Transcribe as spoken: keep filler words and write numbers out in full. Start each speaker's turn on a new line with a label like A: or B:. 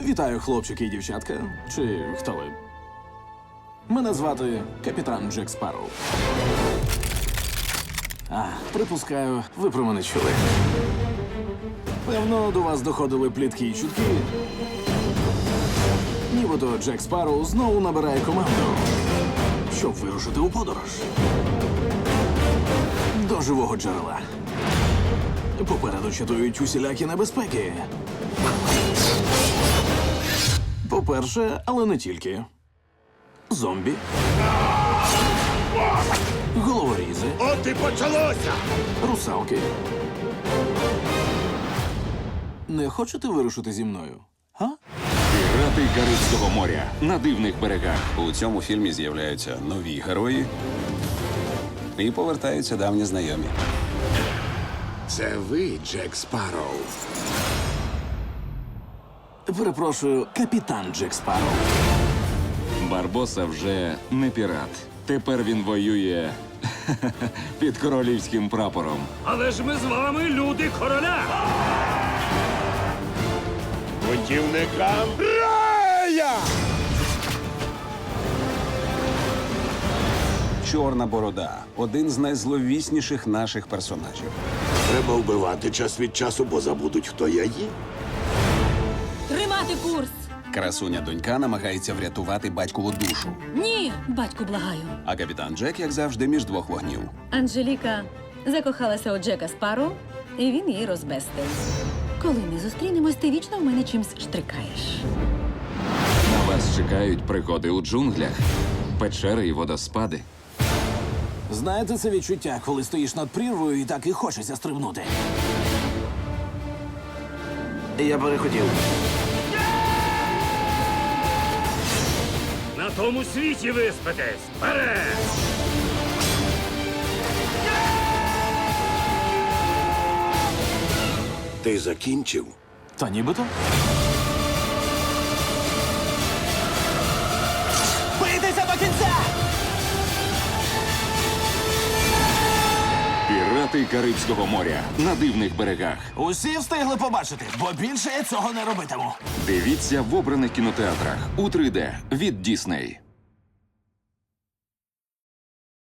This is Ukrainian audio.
A: Вітаю, хлопчики і дівчатка. Чи хто ви? Мене звати капітан Джек Спарроу. А, припускаю, ви про мене чули. Певно, до вас доходили плітки і чутки. Нібито Джек Спарроу знову набирає команду, щоб вирушити у подорож. До живого джерела. Попереду чатують усілякі небезпеки. По-перше, але не тільки. Зомбі. Головорізи.
B: От і почалося!
A: Русалки. Не хочете вирушити зі мною? Га?
C: Пірати Карибського моря на дивних берегах.
D: У цьому фільмі з'являються нові герої і повертаються давні знайомі.
B: Це ви, Джек Спарроу.
A: Перепрошую, капітан Джек Спарроу.
C: Барбоса вже не пірат. Тепер він воює під королівським прапором.
E: Але ж ми з вами люди короля!
B: Путівникам рая!
D: Чорна борода один з найзловісніших наших персонажів.
B: Треба вбивати час від часу, бо забудуть, хто я є.
F: Тримати курс!
D: Красуня донька намагається врятувати батькову душу.
F: Ні, батьку, благаю.
D: А капітан Джек, як завжди, між двох вогнів.
F: Анжеліка закохалася у Джека Спарроу, і він її розбестив. Коли ми зустрінемось, ти вічно в мене чимсь штрикаєш.
C: На вас чекають пригоди у джунглях, печери і водоспади.
A: Знаєте це відчуття, коли стоїш над прірвою і так і хочеться стрибнути? Я перехотів.
E: На тому світі виспитесь! Вперед!
B: Ти закінчив?
A: Та нібито. Бийтеся до кінця!
C: Пірати Карибського моря на дивних берегах.
A: Усі встигли побачити, бо більше я цього не робитиму.
C: Дивіться в обраних кінотеатрах у три де від Дісней.